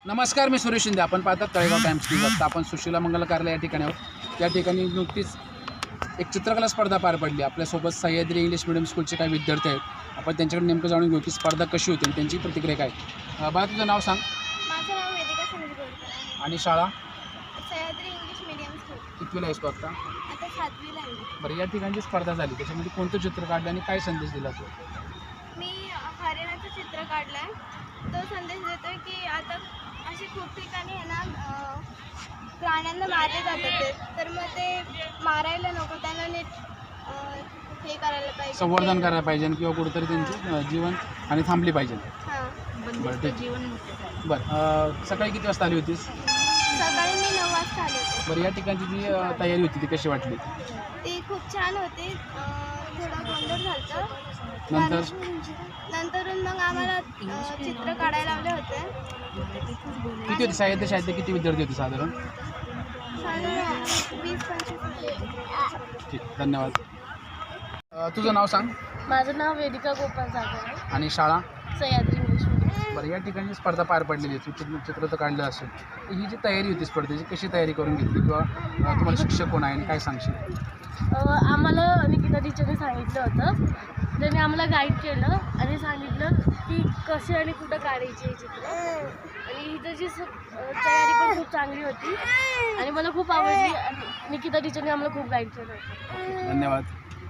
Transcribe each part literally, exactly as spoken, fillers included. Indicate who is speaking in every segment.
Speaker 1: नमस्कार, मी सुरेश शिंदे. आपण पाहतात तळेगाव टाइम्स न्यूज. आता आपण सुशीला मंगल कार्यालय या ठिकाणी आहोत. या ठिकाणी नुकतीच एक चित्रकला स्पर्धा पार पडली. आपल्यासोबत सह्याद्री इंग्लिश मिडियम स्कूलचे काही विद्यार्थी आहेत. आपण त्यांच्याकडे नेमकं जाणून घेऊ की स्पर्धा कशी होती आणि त्यांची प्रतिक्रिया काय. अ, बाळा, तुझं नाव सांग.
Speaker 2: माझं नाव वेदिका संजय गोडकर आहे.
Speaker 1: आणि शाळा
Speaker 2: सह्याद्री इंग्लिश मीडियम स्कूल.
Speaker 1: कितवीला आहेस तू आता?
Speaker 2: आता सातवीला आहे मी.
Speaker 1: बरं, या ठिकाणी जी स्पर्धा झाली त्याच्यामध्ये कोणतं चित्र काढलं आणि काय संदेश दिला तू?
Speaker 2: मी हरिणाचं चित्र काढलं आहे. तो संदेश देतो आहे की आता असे खूप ठिकाणी आहे ना अं, प्राण्यांना मारले जातात ते, तर मग ते मारायला नको, त्यांना नीट अं, हे करायला पाहिजे,
Speaker 1: संवर्धन करायला पाहिजे किंवा कुठेतरी त्यांची अ, जीवन आणि थांबली पाहिजे.
Speaker 2: हां.
Speaker 1: बरं, ठीक. बरं, अ, सकाळी किती वाजता आली होतीस?
Speaker 2: सकाळी मी नऊ वाजता आले होते.
Speaker 1: बरं, या ठिकाणची जी अ, तयारी होती ती कशी वाटली?
Speaker 2: ती खूप छान होती. अं, थोडा गोंधळ झाला.
Speaker 1: नंतर
Speaker 2: नंतरून मग आम्हाला अं, चित्र काढायला लावले होते.
Speaker 1: किती होते साहित्य शाळेतले किती विद्यार्थी होते साधारण?
Speaker 2: साधारण वीस पंचवीस.
Speaker 1: ठीक, धन्यवाद. अ, तुझं नाव सांग.
Speaker 2: माझं नाव वेदिका गोपाल जाधव आहे.
Speaker 1: आणि शाळा?
Speaker 2: Sahyadri English medium.
Speaker 1: बरं, या ठिकाणी स्पर्धा पार पडलेली आहे. चित्र चित्र तर काढलं असेल, तर ही जी तयारी होती स्पर्धेची कशी तयारी करून घेतली किंवा अ, तुम्हाला शिक्षक कोण आहे आणि काय सांगशील?
Speaker 3: आम्हाला निकिता टीचरने सांगितलं होतं. त्यांनी आम्हाला गाईड केलं आणि सांगितलं की कसे आणि कुठं काढायचे हे चित्र. आणि हिचं जी स- तयारी पण खूप चांगली होती आणि मला खूप आवडली. आणि निकिता टीचरने आम्हाला खूप गाईड केलं होतं.
Speaker 1: धन्यवाद.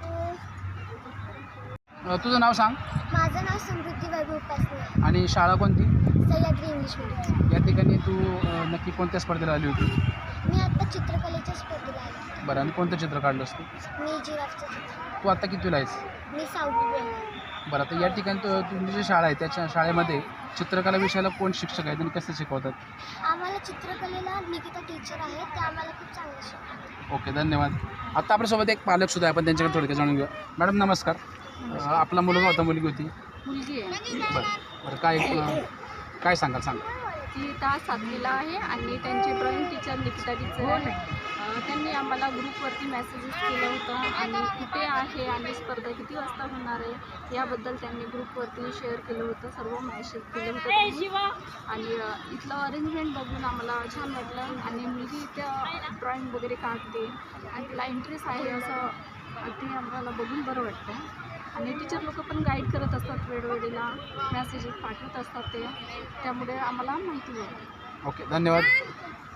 Speaker 1: अ, तुझं नाव सांग.
Speaker 2: माझं नाव समृद्धी वैभव पासने.
Speaker 1: आणि शाळा कोणती?
Speaker 2: Sahyadri English medium.
Speaker 1: या ठिकाणी तू अ, नक्की कोणत्या स्पर्धेला आली होती?
Speaker 2: मी आता चित्रकलेच्या स्पर्धेला आले.
Speaker 1: बरं, आणि कोणतं चित्र काढलंस तू?
Speaker 2: मी जिराफचं चित्र.
Speaker 1: तू आता कितवीला आहेस?
Speaker 2: मी सहावी आहे.
Speaker 1: बरं, आता या ठिकाणी तू तुमची जी शाळा आहे त्याच्या शाळेमध्ये चित्रकला विषयाला कोण शिक्षक आहेत आणि कसे शिकवतात?
Speaker 2: आम्हाला चित्रकलेला निकिता टीचर आहेत, ते आम्हाला खूप चांगलं शिकवतात.
Speaker 1: ओके, धन्यवाद. आता आपल्यासोबत एक पालक सुद्धा आहे. आपण त्यांच्याकडे थोडक्यात जाणून घेऊया. मॅडम नमस्कार. अ, आपला मुलगा होता मुलगी होती?
Speaker 3: मुलगी आहे
Speaker 1: बरं बरं, काय अ, काय सांगाल सांगा.
Speaker 3: ती तास सातवीला आहे आणि त्यांचे ड्रॉइंग टीचर निकिता टीचर आहे. अं, त्यांनी आम्हाला ग्रुपवरती मेसेजेस केलं होतं आणि कुठे आहे आणि स्पर्धा किती वाजता होणार आहे याबद्दल त्यांनी ग्रुपवरती शेअर केलं होतं. सर्व मेसेज केलं होतं त्यांनी. आणि अं, इथलं अरेंजमेंट बघून आम्हाला छान वाटलं आणि मीही त्या ड्रॉइंग वगैरे काढते आणि तिला इंटरेस्ट आहे असं ते आम्हाला बघून बरं वाटतं. आणि टीचर लोक पण गाईड करत असतात, वेळोवेळीला मेसेजेस पाठवत असतात ते, त्यामुळे आम्हाला माहिती होतं.
Speaker 1: ओके, धन्यवाद.